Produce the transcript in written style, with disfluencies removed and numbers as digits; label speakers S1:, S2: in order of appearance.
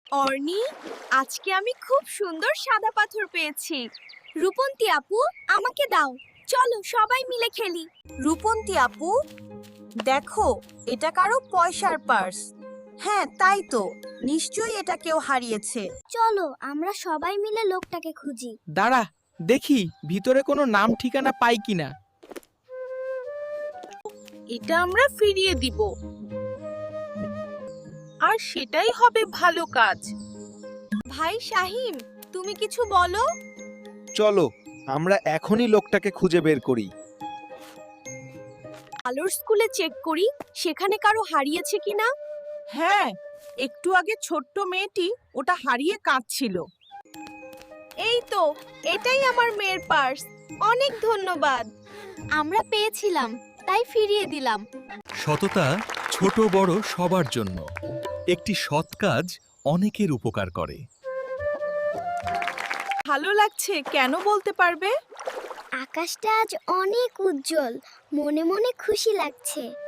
S1: অর্নি, আজকে আমি খুব সুন্দর সাদা পাথর পেয়েছি। রূপন্তী আপু, আমাকে দাও। চলো সবাই মিলে খেলি। রূপন্তী আপু, দেখো, এটা কারো পয়সার পার্স। হ্যাঁ, তাই তো, নিশ্চয়ই এটা কেউ হারিয়েছে।
S2: চলো আমরা সবাই মিলে লোকটাকে খুঁজি।
S3: দাঁড়া, দেখি ভিতরে কোনো নাম ঠিকানা পাই কিনা।
S1: এটা আমরা ফিরিয়ে দিব, আর সেটাই হবে ভালো কাজ। ভাই শাহিম, তুমি কিছু বলো।
S4: চলো আমরা এখনই লোকটাকে খুঁজে বের করি।
S1: আলোর স্কুলে চেক করি, সেখানে কারো হারিয়েছে কিনা। হ্যাঁ, একটু আগে ছোট্ট মেয়েটি ওটা হারিয়ে কাঁদছিল। এই তো, এটাই আমার মেয়ের পার্স। অনেক ধন্যবাদ।
S2: আমরা পেয়েছিলাম, তাই ফিরিয়ে দিলাম।
S5: সততা ছোট বড় সবার জন্য। একটি সৎ কাজ অনেকের উপকার করে।
S1: ভালো লাগছে, কেন বলতে পারবে?
S2: আকাশটা আজ অনেক উজ্জ্বল, মনে মনে খুশি লাগছে।